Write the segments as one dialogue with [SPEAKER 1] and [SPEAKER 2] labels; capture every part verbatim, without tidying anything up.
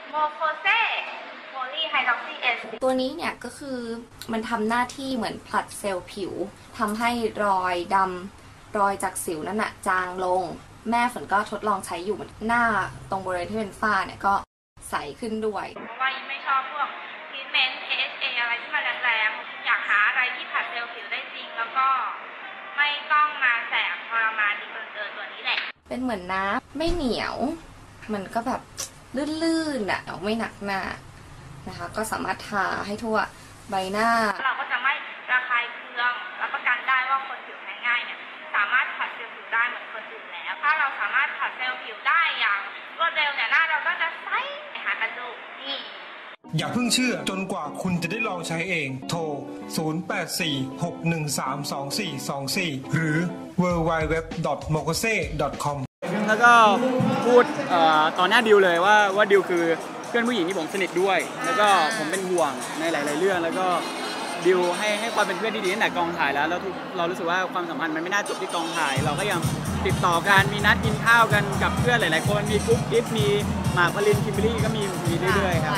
[SPEAKER 1] โมโคเซโพลีไฮดรอกซีเอส
[SPEAKER 2] ตัวนี้เนี่ยก็คือมันทำหน้าที่เหมือนผลัดเซลล์ผิวทำให้รอยดำรอยจากสิวนั่นน่ะจางลงแม่ฝนก็ทดลองใช้อยู่หน้าตรงบริเวณที่เป็นฝ้าเนี่ยก็ใสขึ้นด้วย
[SPEAKER 1] เพราะว่าไม่ชอบพวกทรีทเมนต์ เอ เอช เอ อะไรที่มันแรงๆอยากหาอะไรที่ผลัดเซลล์ผิวได้จริงแล้วก็ไม่ต้องมาแสบทรมานดีเกินเกินตัวนี้แหละ
[SPEAKER 2] เป็นเหมือนน้ำไม่เหนียวมันก็แบบลื่นๆอ่ะไม่หนักหน้านะคะก็สามารถทาให้ทั่วใบหน้า
[SPEAKER 1] เราก็จะไม่ระคายเคืองรับประกันได้ว่าคนผิวแพ้ง่ายเนี่ยสามารถผัดเซลล์ผิวได้เหมือนคนอื่นแล้วถ้าเราสามารถผัดเซลล์ผิวได้อย่างรวดเร็วเนี่ยหน้าเราก็จะใสหากันดูนี่
[SPEAKER 3] อย่าเพิ่งเชื่อจนกว่าคุณจะได้ลองใช้เองโทรศูนย์ แปด สี่ หก หนึ่ง สาม สอง สี่ สอง สี่ หรือ ดับเบิลยู ดับเบิลยู ดับเบิลยู ดอท โมโคเซ ดอท คอม
[SPEAKER 4] แล้วก็พูดต่อหน้าดิวเลยว่าว่าดิวคือเพื่อนผู้หญิงที่ผมสนิทด้วยแล้วก็ผมเป็นห่วงในหลายๆเรื่องแล้วก็ดิวให้ให้ความเป็นเพื่อนที่ดีตั้งแต่กองถ่ายแล้วแล้วเรารู้สึกว่าความสัมพันธ์มันไม่น่าจบที่กองถ่ายเราก็ยังติดต่อกันมีนัดกินข้าวกันกับเพื่อนหลายๆคนมีกุ๊กกิ๊บมีหมากพลินคิมเบอรี่ก็มีมีเรื่อยๆครับ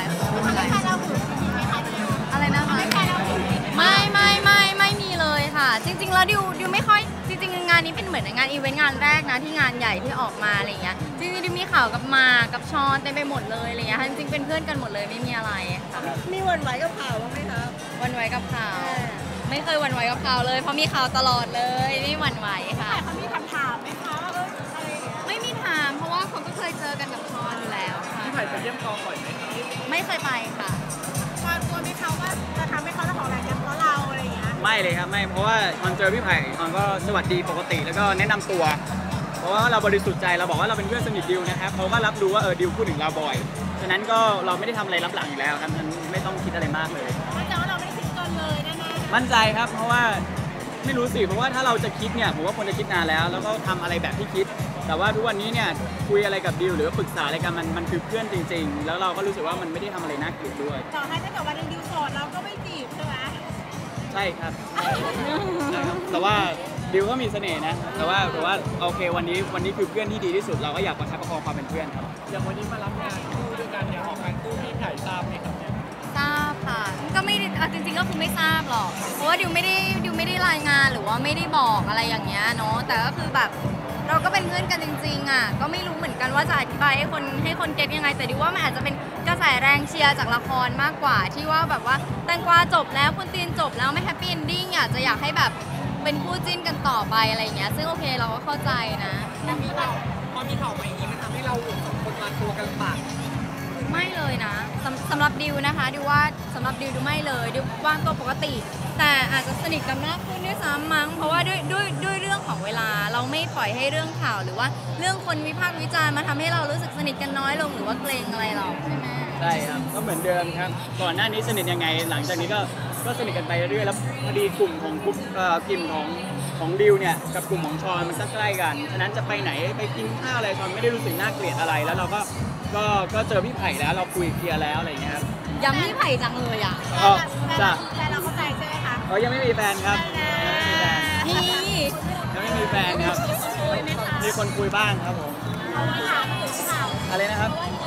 [SPEAKER 5] อะไรนะคะไม่ไม่ไม่ไม่มีเลยค่ะจริงๆแล้วดิวดิวไม่ค่อยจริงๆงานนี้เป็นเหมือนงานอีเวนต์งานแรกนะที่งานใหญ่ที่ออกมาอะไรเงี้ยจริงๆดิวมีข่าวกับมากับชอนเต็มไปหมดเลยอะไรเงี้ยจริงๆเป็นเพื่อนกันหมดเลยไม่มีอะไรค่ะ
[SPEAKER 6] มีวันไหวกับข่าวบ้างไหมคะ
[SPEAKER 5] วันไหวกับข่าวไม่เคยวันไหวกับข่าวเลยเพราะมีข่าวตลอดเลยไม่วันไหวค่ะ
[SPEAKER 6] เขามีคำถามไหมคะว่าเอออะไร
[SPEAKER 5] ไม่มีถามเพราะว่าเขาก็เคยเจอกันกับชอนอยู่แล้วค่ะ
[SPEAKER 4] พี่ไผ่ไปเยี่ยมกองบ่อยไหม
[SPEAKER 5] ไม่เคยไปค่ะ
[SPEAKER 6] ชอนกลัวไหมคะว่าจะทำให้เขาจะของแรงกันเพราะเราอะไรอย่างเงี้ย
[SPEAKER 4] ไม่เลยครับไม่เพราะว่าตอนเจอพี่ไผ่ตอนก็สวัสดีปกติแล้วก็แนะนำตัวเพราะว่าเราบริสุทธิ์ใจเราบอกว่าเราเป็นเพื่อนสนิทดิวนะครับเขาก็รับรู้ว่าเออดิวพูดถึงเราบ่อยฉะนั้นก็เราไม่ได้ทำอะไรรับหลังอยู่แล้วครับฉะนั้นไม่ต้องคิดอะไรมากเลย
[SPEAKER 6] มั่นใจว่าเราไม่ได้คิดเกินเลยแน่
[SPEAKER 4] ๆมั่นใจครับเพราะว่าไม่รู้สิเพราะว่าถ้าเราจะคิดเนี่ยผมว่าคนจะคิดนานแล้วแล้วก็ทำอะไรแบบที่คิดแต่ว่าทุกวันนี้เนี่ยคุยอะไรกับดิวหรือปรึกษาอะไรกันมันมันคือเพื่อนจริงๆแล้วเราก็รู้สึกว่ามันไม่ได้ทำอะไรน่าเกลียดด้วย
[SPEAKER 6] ต่อให้ถ้าเกิดวันนึงดิวโสดเราก็ไม่จีบใช่ไหม
[SPEAKER 4] ใช่ครับแต่ว่าดิวก็มีเสน่ห์นะแต่ว่าแต่ว่าโอเควันนี้วันนี้คือเพื่อนที่ดีที่สุดเราก็อยากประคับประคองความเป็นเพื่อนครับ
[SPEAKER 7] อย่างวันนี้มารับงานคู่ด้วยกันเนี่ยออกงานคู่พี่ไผ่ทราบไหมครับ
[SPEAKER 5] ทราบค่ะก็ไม่จริงๆก็คือไม่ทราบหรอกเพราะว่าดิวไม่ได้ดิวไม่ได้รายงานหรือว่าไม่ได้บอกอะไรอย่างเงี้ยเนาะแต่ก็คือแบบเราก็เป็นเพื่อนกันจริงๆอ่ะก็ไม่รู้เหมือนกันว่าจะอธิบายให้คนให้คนเก็ตยังไงแต่ดิวว่ามันอาจจะเป็นกระแสแรงเชียร์จากละครมากกว่าที่ว่าแบบว่าแตงกวาจบแล้วคุณตีนจบแล้วไม่แฮปปี้เอนดิ้งอยากจะอยากให้แบบเป็นคู่จิ้นกันต่อไปอะไรอย่างเงี้ยซึ่งโอเคเราก็เข้าใจนะ
[SPEAKER 7] พอมีข่าวพอมีข่าวมาอย่างนี้มันทำให้เราสองคนมาตัวกันปาก
[SPEAKER 5] ไม่เลยนะสำสำหรับดิวนะคะดิวว่าสำหรับดิวดิวไม่เลยดิววางตัวปกติแต่อาจจะสนิทกันมากขึ้นด้วยซ้ำมั้งเพราะว่าด้วยด้วยด้วยเรื่องของเวลาเราไม่ปล่อยให้เรื่องข่าวหรือว่าเรื่องคนวิพากษ์วิจารณ์มาทำให้เรารู้สึกสนิทกันน้อยลงหรือว่าเกรงอะไรหรอกใช่ไหม
[SPEAKER 4] ใช่ครับก็เหมือนเดิมครับก่อนหน้านี้สนิทยังไงหลังจากนี้ก็ก็สนิทกันไปเรื่อยๆแล้วพอดีกลุ่มของกลุ่มเอ่อกลุ่มของของดิวเนี่ยกับกลุ่มของชอนมันใกล้กันฉะนั้นจะไปไหนไปกินข้าวอะไรชอนไม่ได้รู้สึกน่าเกลียดอะไรแล้วเราก็ก็ก็เจอพี่ไผ่แล้วเราคุยเคลียร์แล้วอะไรอย่างเงี้ยครับ
[SPEAKER 5] ยังพี่ไผ่จังเลยอ่ะ
[SPEAKER 4] จ้ะ
[SPEAKER 6] แต่เราเข้าใจใช่ไหมคะ
[SPEAKER 4] เขายังไม่มีแฟนครับ
[SPEAKER 5] นี่
[SPEAKER 4] ยังไม่มีแฟนครับมีคนคุยบ้างครับผมอะไรนะครับ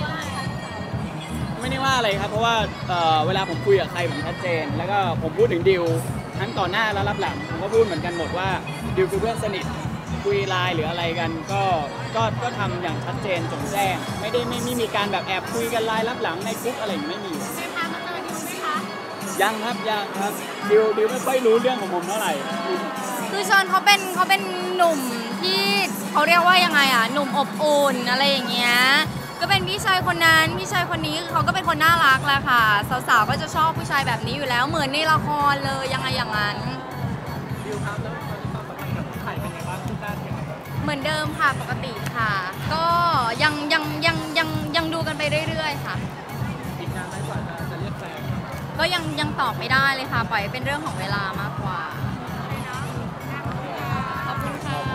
[SPEAKER 4] ไม่ได้ว่าอะไรครับเพราะว่าเวลาผมคุยกับใครผมชัดเจนแล้วก็ผมพูดถึงดิวทั้งต่อหน้าและรับหลังผมก็พูดเหมือนกันหมดว่าดิวคือเพื่อนสนิทคุยไลน์หรืออะไรกันก็ก็ก็ทำอย่างชัดเจนจงแจ้งไม่ได้ไม่ไม่มีการแบบแอบคุยกันไลน์รับหลังในกลุ่มอะไรไม่มียังครับยังครับดิวดิวไม่ค่อยรู้เรื่องของผมเท่าไหร่
[SPEAKER 5] คือชอนเขาเป็นเขาเป็นหนุ่มที่เขาเรียกว่ายังไงอ่ะหนุ่มอบอุ่นอะไรอย่างเงี้ยก็เป็นพี่ชายคนนั้นพี่ชายคนนี้เขาก็เป็นคนน่ารักแหละค่ะสาวๆก็จะชอบผู้ชายแบบนี้อยู่แล้วเหมือนในละครเลยยังไงอย่างนั้น
[SPEAKER 7] ดิวครับแล้วตอนนี้ความสัมพันธ์กับพี่ไผ่เป็นไงบ้างทุกด้านยังไง
[SPEAKER 5] เหมือนเดิมค่ะปกติค่ะก็ยังยังยังยังยังดูกันไปเรื่อยๆค่ะ
[SPEAKER 7] อีกนานไหมกว่าจะเรียกแฟน
[SPEAKER 5] ก็ยังยังตอบไม่ได้เลยค่ะปล่อยเป็นเรื่องของเวลามากกว่าขอบคุณค่ะ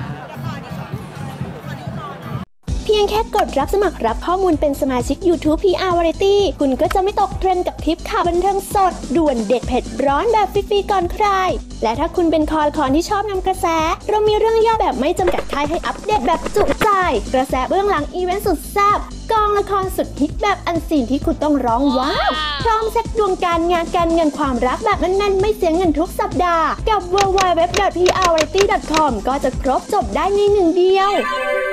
[SPEAKER 8] เพียงแค่กดรับสมัครรับข้อมูลเป็นสมาชิก YouTube พี อาร์ Variety คุณก็จะไม่ตกเทรนด์กับทริปข่าวบันเทิงสดด่วนเด็ดเผ็ดร้อนแบบฟรีๆก่อนใครและถ้าคุณเป็นคอละคอนที่ชอบนำกระแสเรามีเรื่องย่อแบบไม่จำกัดค่ายให้อัปเดตแบบจุใจายกระแสเบื้องหลังอีเวนต์สุดแซ่บกองละครสุดฮิตแบบอันซีนที่คุณต้องร้องว้าวพร้อมเช็คดวงการงานการเงินความรักแบบแน่นๆไม่เสียเงินทุกสัปดาห์กับ ดับเบิลยู ดับเบิลยู ดับเบิลยู ดอท พี อาร์ วาไรตี้ ดอท คอม ก็จะครบจบได้ในหนึ่งเดียว